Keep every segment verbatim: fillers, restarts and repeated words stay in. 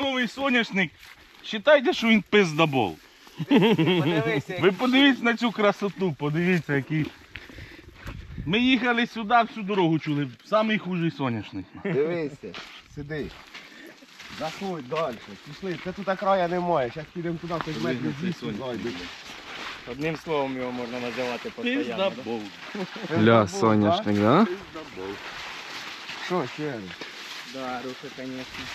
новий соняшник. Вважайте, що він пиздобол. Подивися, Ви подивіться на цю красоту, подивіться, який. Ми їхали сюди, всю дорогу чули. Самий хужий соняшник. Дивися, сиди. Заходь далі. Пішли. Це тут края немає. Зараз підемо туди, хоч метрів двісті зайдемо. Одним словом його можна називати постійно. Пиздобол. Ля, соняшник, да? Пиздобол. Що ще? Да, рухи, звісно.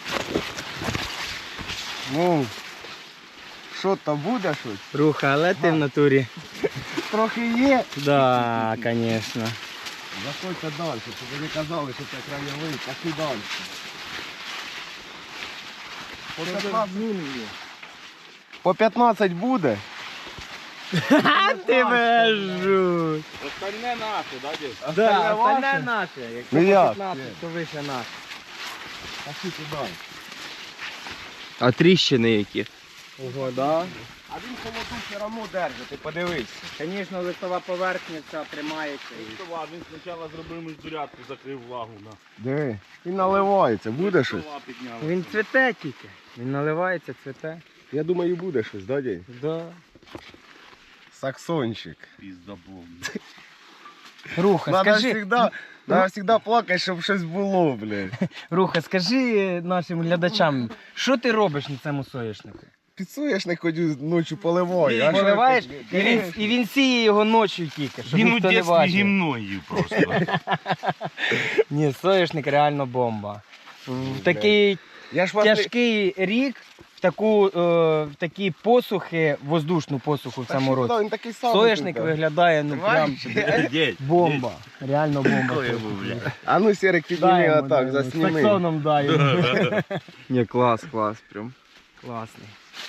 Ну, що там буде щось? Руха, але ти в натурі. Трохи є. Да, звісно. Заходьте далі, щоб ви не казали, що це краєвий. Пошли далі. По п'ятнадцять, По п'ятнадцять буде? Ти вежу. Остальне наше, да, дядь? Да, ваше? остальне наше. Якщо Ну по як? п'ятнадцять, то вище наше. Пошли туди. А тріщини які? Ого, да. А він холоду все одно держить, ти подивись. Звісно, листова поверхня ця тримається. Він спочатку зробив міждурядку, закрив влагу. На. Диви, він наливається, буде щось? Трава піднялася. Він цвіте тільки. Він наливається, цвіте. Я думаю, буде щось, да, дядь? Да. Саксончик. Пиздобол. Руха, Надо скажи, всегда, надо всегда плакати, щоб щось було, блядь. Руха, скажи нашим глядачам, що ти робиш на цьому соняшнику? Підсуєш, не ходю ночі поливаю. а що Поливаєш, ти- і він, і він сіє його ночі тільки, щоб Він у ніхто не дитинстві бачив. гімно їв просто. Ні, соняшник реально бомба. В такий Я ж вас не- тяжкий рік, в таку, е, в такі посухи, воздушну посуху в Та цьому що, році. да, він такий самий Соняшник тут, да. виглядає ну прям Дядь, бомба. Реально бомба. Коли його, бля. А ну, Серик, підніми Дай йому, отак, дай йому. засніми. Саксоном дай йому. Ні, клас, клас, прям. Класний.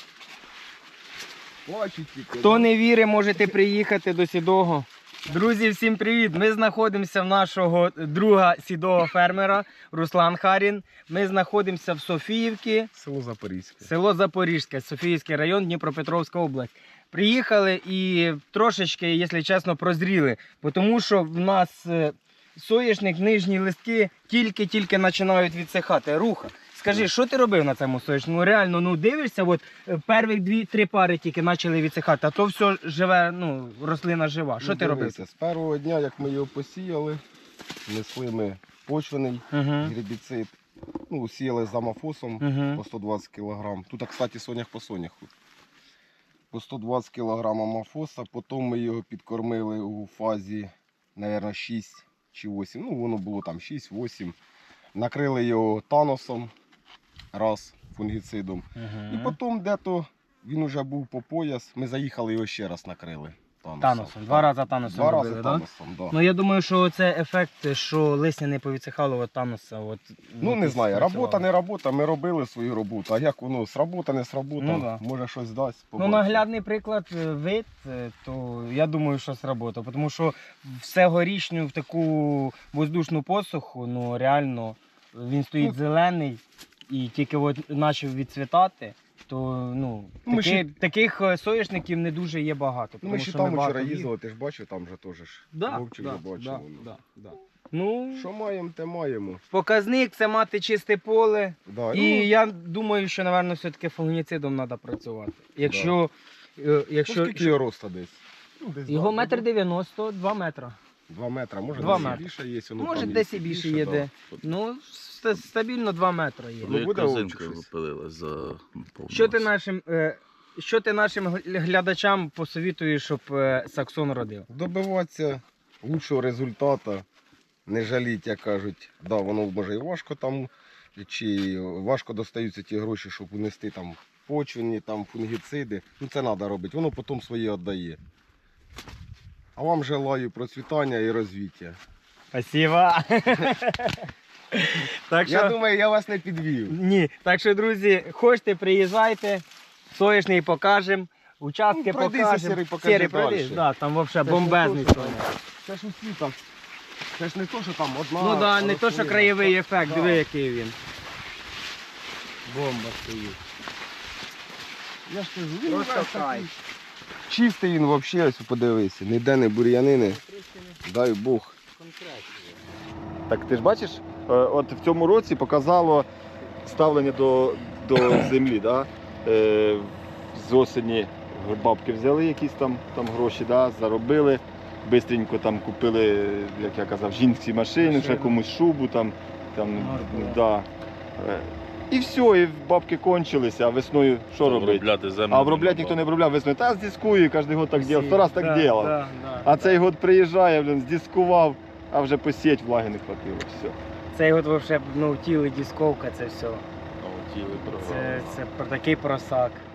Плачуть тільки. Хто не вірить, можете приїхати до Сідого. Друзі, всім привіт! Ми знаходимося в нашого друга сідого фермера Руслан Харін. Ми знаходимося в Софіївці, Село Запорізьке. село Запорізьке, Софіївський район, Дніпропетровська область. Приїхали і трошечки, якщо чесно, прозріли, тому що в нас е, соняшник, нижні листки тільки-тільки починають відсихати. Руха. Скажи, що ти робив на цьому соняшнику? Ну реально, ну дивишся, от е, перші дві-три пари тільки почали відсихати, а то все живе, ну, рослина жива. Що Ну, ти робив? дивися, з першого дня, як ми його посіяли, несли ми почвений Угу. гербіцид. Ну, сіяли з амофосом Угу. по сто двадцять кілограм. Тут, кстати, сонях по соняху. По сто двадцять кілограм амофоса, потім ми його підкормили у фазі, мабуть, шість чи вісім. Ну, воно було там шість-вісім. Накрили його таносом, раз, фунгіцидом. І потім де-то він вже був по пояс. Ми заїхали його ще раз накрили. Таносом. Таносом. Два рази таносом Два робили, рази да? таносом, да. Ну я думаю, що це ефект, що листя не повідсихало от таноса. От, Ну от не і знаю, спрацювало. робота не робота, ми робили свою роботу. А як воно сработа, не сработа, Ну, да. може щось дасть. Ну, побачимо. наглядний приклад е, вид, е, то я думаю, що сработав. Тому що все горічню в таку воздушну посуху, ну реально він стоїть Ну, зелений і тільки от почав відцвітати, то ну, Ну, ми таки, ще- таких е, соняшників не дуже є багато. Ну, тому ми ще що там багато вчора їх. їздили, ти ж бачив, там же теж ж Да, вовчик да, вже бачив. да, воно. да, да. Ну, Що маємо, те маємо. показник це мати чисте поле. Да, І ну, я думаю, що, напевно, все-таки фунгіцидом треба працювати. Якщо, е, ну, якщо скільки його росту десь? Ну, десь його да, метр ну, дев'яносто, два метра. Два метри, може Два десь і метри. більше є. Воно Може, там десь є і більше більше, є да. де. Ну, ста- стабільно два метри є. Ну, буде корзинка вовчик щось. випилила за Що ти нашим, е, що ти нашим гл- глядачам посовітуєш, щоб е, Саксон родив? Добиватися лучшого результату, не жаліть, як кажуть, да, воно може і важко там, чи важко достаються ті гроші, щоб унести там почвені, там фунгіциди. Ну це треба робити, воно потім своє віддає. А вам желаю процвітання і розвиття. Спасибо. Так Я що, думаю, я вас не підвів. ні. Так що, друзі, хочете, приїжджайте, соняшник покажемо, участки Ну, пройдися, покажемо. Сірий, покажи Сірий, пройдись, дальше. да, там взагалі Це ж не бомбезний то, що- соняшник. Це ж усі так. Це ж не то, що там одна. Ну да, не то, що рослина. краєвий ефект, Да. диви, який він. Бомба стоїть. Я ж кажу, він Просто весь кайф. такий. Чистий він взагалі, ось подивися, ніде не бур'янини, дай Бог. Так ти ж бачиш, е, от в цьому році показало ставлення до, до землі. Да? Е, з осені бабки взяли якісь там, там гроші, да? Заробили. Бистренько там купили, як я казав, жінці машини, ще Машину. комусь шубу там. там Можливо. да. Е, І все, і бабки кончилися, а весною що робити? Обробляти землю. А обробляти ніхто не обробляв весною. Та здискую, кожен год так Всі. робив, сто раз так Да, робив. да, да, А да. цей год приїжджає, блін, здискував, а вже посіять влаги не хватило. Все. Цей год вообще, ну, тіли, дисковка, це все. Ну, тіли програли. Це, це про такий просак.